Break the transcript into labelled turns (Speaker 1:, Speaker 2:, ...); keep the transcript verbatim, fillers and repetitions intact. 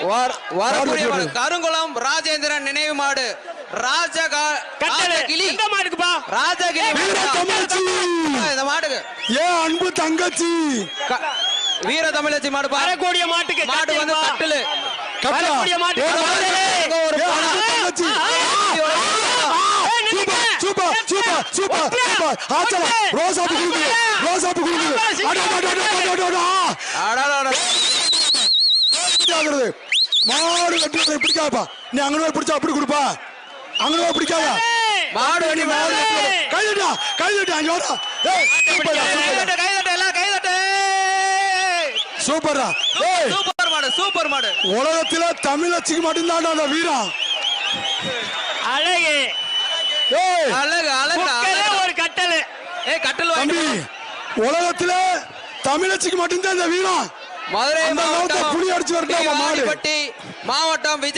Speaker 1: வரக்கூடிய மாடு கருங்குளம் ராஜேந்திரன் நினைவு மாடு ராஜகா ராஜகிளி
Speaker 2: இந்த மாடுக்குப்பா
Speaker 1: ராஜகிளி இந்த மாடுக்கு
Speaker 3: ஏ அன்பு தங்கச்சி
Speaker 1: வீர தமிழச்சி மாடு
Speaker 2: வரக்கூடிய மாட்டுக்கு
Speaker 1: மாடு வந்து கட்டிலு
Speaker 2: வரக்கூடிய மாட்டுக்கு
Speaker 3: தங்கச்சி சூப்பர் சூப்பர் சூப்பர் சூப்பர் ஆச்சல ரோசாப்பு குடுக்குது ரோசாப்பு குடுக்குது அட அட அட அட அட ஆகுறது மாடு வெட்டுறது பிடிக்காதப்பா நீ அங்கனவே பிடிச்சா அப்படி கொடுப்பா அங்கனவே பிடிக்காத
Speaker 1: மாடு வெட்டி மாடு
Speaker 3: கைதட்டா கைதட்டா அங்க வாடா ஏய்
Speaker 1: கைதட்ட கைதட்ட எல்லாம் கைதட்ட
Speaker 3: சூப்பர்டா ஏய்
Speaker 1: சூப்பர் மாடு சூப்பர் மாடு
Speaker 3: உலகத்துல தமிழச்சிக்கு மட்டும் தான் அந்த வீரம்
Speaker 2: அழகு
Speaker 3: ஏய்
Speaker 1: அழகு அழகு
Speaker 2: ஒரு கட்டல்
Speaker 1: ஏய் கட்டல்
Speaker 3: தம்பி உலகத்துல தமிழச்சிக்கு மட்டும் தான் அந்த வீரம்
Speaker 1: மதுரை மாவட்டம்
Speaker 3: புலி அடிச்சு வரட்டும் மாடு
Speaker 1: மாவட்டம்